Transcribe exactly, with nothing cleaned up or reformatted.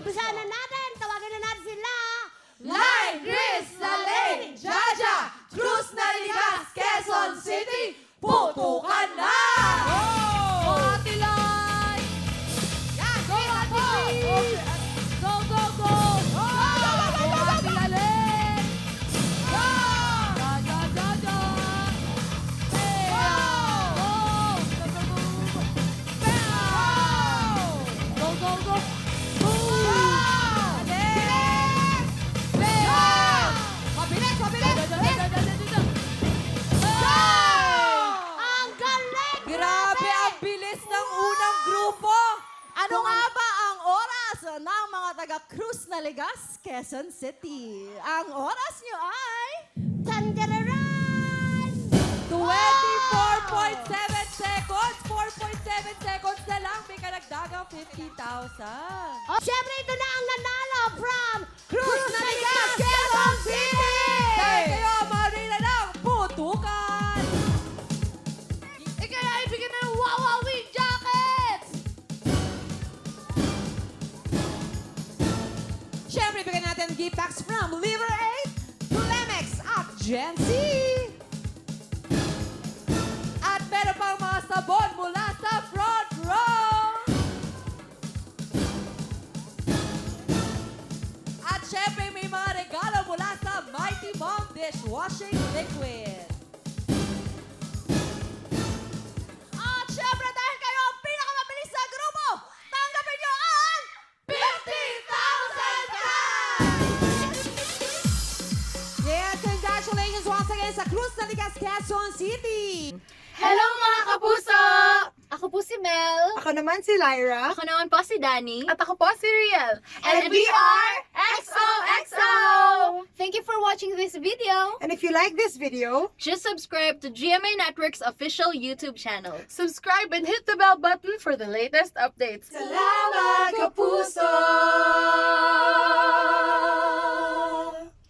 Umpisa na natin. Tawagin na natin sila. Line, Chris, Nalane, Jaja, Cruz Naligas, Quezon City, putukan na! Go, Ate Lai! Yan, Go, kita Ate po! Liz! Go, go, go! Go, Ate Lalen! Go! Ja, ja, ja, ja! Hey! Go! Go, go, go, go! Go, go, go! Mabilis, mabilis! Ang galing! Grabe ang bilis ng unang grupo! Ano nga ba ang oras ng mga taga Cruz Naligas, Quezon City? Ang oras nyo ay Tandararan! twenty-four point seven seconds! four point seven seconds na lang, may karagdagang fifty thousand. Oh, Siyempre, ito na ang nanalo from Cruz Naligas, Quezon City! Dahil kayo marina ng putukan! Ikaya ibigyan na ng Wawa Wing Jackets! Siyempre, bigyan natin gift packs from Liver eight, Lemex at Gen Z. At meron pang mga sabon mula sa front row. At syempre, may mga regalo mula sa Mighty Mom Dishwashing Liquid. At syempre, dahil kayo ang pinakamabilis sa grupo, tanggapin nyo ang fifty thousand cash! Yes, congratulations once again sa Cruz Naligas, Quezon City! Hello mga kapuso! Ako po si Mel. Ako naman si Lyra. Ako naman po si Danny. At ako po si Riel. And we are X O X O! Thank you for watching this video. And if you like this video, Just subscribe to G M A Network's official YouTube channel. subscribe and hit the bell button for the latest updates. Salamat, kapuso!